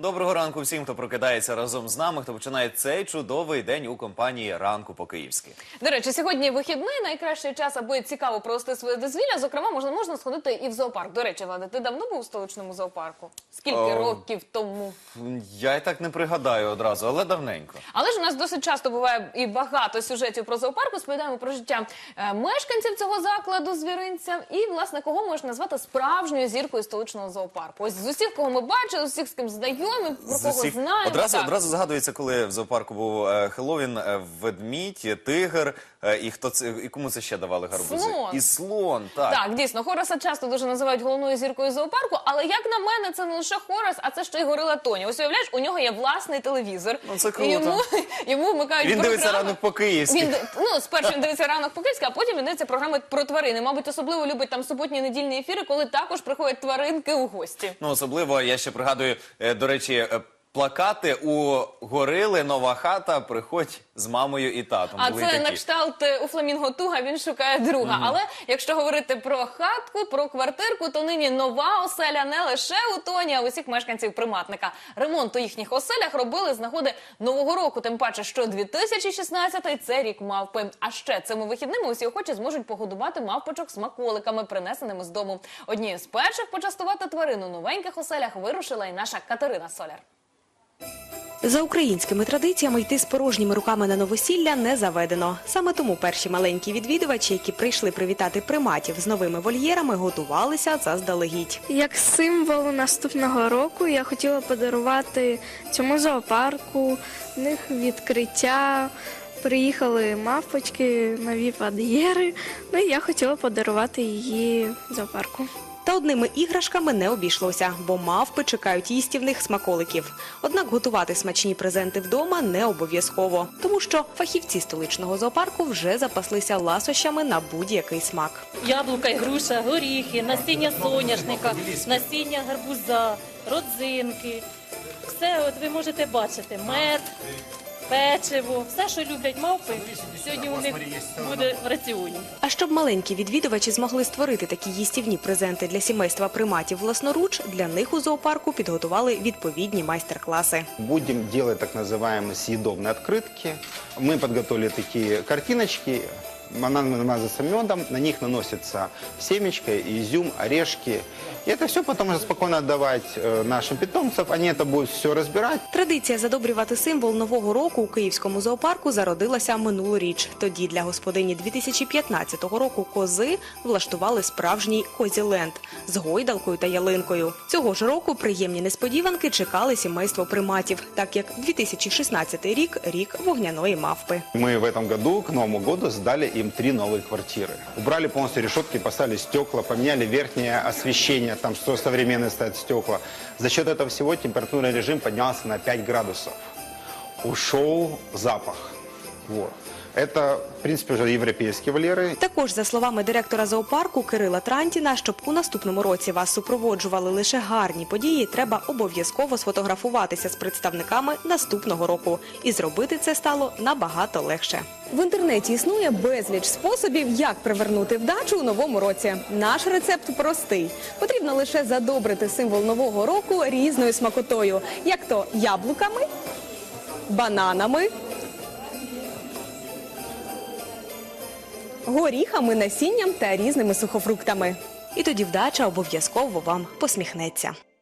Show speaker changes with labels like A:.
A: Доброго ранку всім, хто прокидається разом з нами, хто починає цей чудовий день у компанії «Ранку по-київськи».
B: До речі, сьогодні вихідний, найкращий час, аби цікаво провести своє дозвілля. Зокрема, можна сходити і в зоопарк. До речі, Влада, ти давно був у столичному зоопарку? Скільки років тому?
A: Я й так не пригадаю одразу, але давненько.
B: Але ж у нас досить часто буває і багато сюжетів про зоопарк. Розповідаємо про життя мешканців цього закладу, звіринця. І, власне, кого можна назвати справжньою зіркою столичного зоопарку? Ось з усіх, кого ми бачили, з усіх, з ким знайомі, про кого знаємо.
A: Одразу згадується, коли в зоопарку був Хеллоуін, ведмідь, тигр, і кому це ще давали гарбузи?
B: Слон.
A: І слон, так.
B: Так, дійсно, Хораса часто дуже називають головною зіркою зоопарку, але, як на мене, це не лише Хорас, а це ще й горила Тоня. Ось, уявляєш, у нього є власний телевізор.
A: Ну, це круто.
B: І йому вмикають
A: Він
B: програми.
A: дивиться «Ранок по-київськи».
B: Спершу він дивиться «Ранок по-київськи», а потім він дивиться програми про тварини. Мабуть, особливо любить там суботні недільні ефіри, коли також приходять тваринки у гості.
A: Ну, особливо, я ще пригадую, до речі, плакати у горили «Нова хата», приходь з мамою і татом.
B: А
A: Були
B: це
A: такі.
B: на кшталт у Фламінго Туга, він шукає друга. Але якщо говорити про хатку, про квартирку, то нині нова оселя не лише у Тоні, а у усіх мешканців приматника. Ремонт у їхніх оселях робили з нагоди Нового року, тим паче, що 2016-й – це рік мавпи. А ще цими вихідними усі охочі зможуть погодувати мавпочок смаколиками, принесеними з дому. Однією з перших почастувати тварин у новеньких оселях вирушила і наша Катерина Соляр.
C: За українськими традиціями йти з порожніми руками на новосілля не заведено. Саме тому перші маленькі відвідувачі, які прийшли привітати приматів з новими вольєрами, готувалися заздалегідь.
D: Як символ наступного року я хотіла подарувати цьому зоопарку, в них відкриття, приїхали мавпочки, нові вольєри, ну і я хотіла подарувати її зоопарку.
C: Та одними іграшками не обійшлося, бо мавпи чекають їстівних смаколиків. Однак готувати смачні презенти вдома не обов'язково, тому що фахівці столичного зоопарку вже запаслися ласощами на будь-який смак.
E: Яблука і груша, горіхи, насіння соняшника, насіння гарбуза, родзинки. Все от ви можете бачити. Мед, печиво, все, що люблять мавпи, сьогодні у них буде в раціоні.
C: А щоб маленькі відвідувачі змогли створити такі їстівні презенти для сімейства приматів власноруч, для них у зоопарку підготували відповідні майстер-класи.
F: Будем делать так называемые съедобные открытки. Мы подготовили такие картиночки. Она намазывается медом, на них наносится семечко, изюм, орешки. И это все потом уже спокойно отдавать нашим питомцам. Они это будут все разбирать.
C: Традиція задобрювати символ Нового року у київському зоопарку зародилася минулоріч. Тоді для господині 2015 року кози влаштували справжній козіленд з гойдалкою та ялинкою. Цього ж року приємні несподіванки чекали сімейство приматів, так як 2016 рік – рік вогняної мавпи.
F: Мы в этом году, к Новому году, сдали им 3 новые квартиры. Убрали полностью решетки, поставили стекла, поменяли верхнее освещение, там что современные стоят стекла. За счет этого всего температурный режим поднялся на 5 градусов. Ушел запах. Вот. Это, в принципе, уже европейские вольеры.
C: Також, за словами директора зоопарку Кирила Трантіна, щоб у наступному році вас супроводжували лише гарні події, треба обов'язково сфотографуватися з представниками наступного року. І зробити це стало набагато легше. В інтернеті існує безліч способів, як привернути вдачу у новому році. Наш рецепт простий. Потрібно лише задобрити символ нового року різною смакотою, як то яблуками, бананами, горіхами, насінням та різними сухофруктами. І тоді вдача обов'язково вам посміхнеться.